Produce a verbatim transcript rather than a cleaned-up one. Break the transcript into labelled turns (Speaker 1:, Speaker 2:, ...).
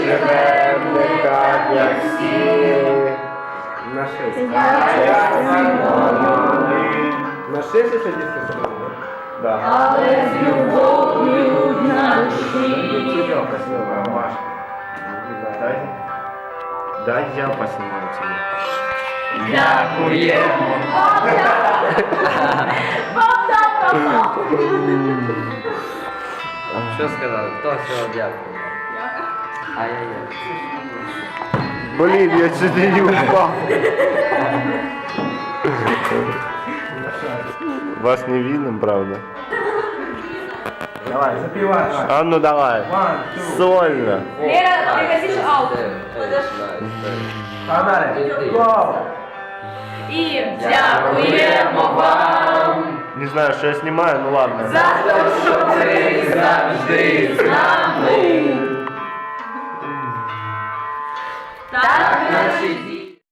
Speaker 1: живем не так, як всі. На шесть. На шесть еще десять соток? Да.
Speaker 2: Але з любов'ю на душі.
Speaker 1: Тебя поснимаю, Машка. Дай. Дай я поснимаю тебя.
Speaker 2: Дякуємо.
Speaker 3: Що сказали? Хто всього дякую? Ай-яй-яй.
Speaker 1: Блин, я чуть не упал. Вас не видно, правда?
Speaker 4: Давай, запивай.
Speaker 1: А ну давай. Сольно.
Speaker 2: Лера, пригласишь аут.
Speaker 4: Погнали. Гоу.
Speaker 2: І дякуємо вам
Speaker 1: Не знаю, что я снимаю, ну ладно.
Speaker 2: за те, що ви завжди з нами. Так наші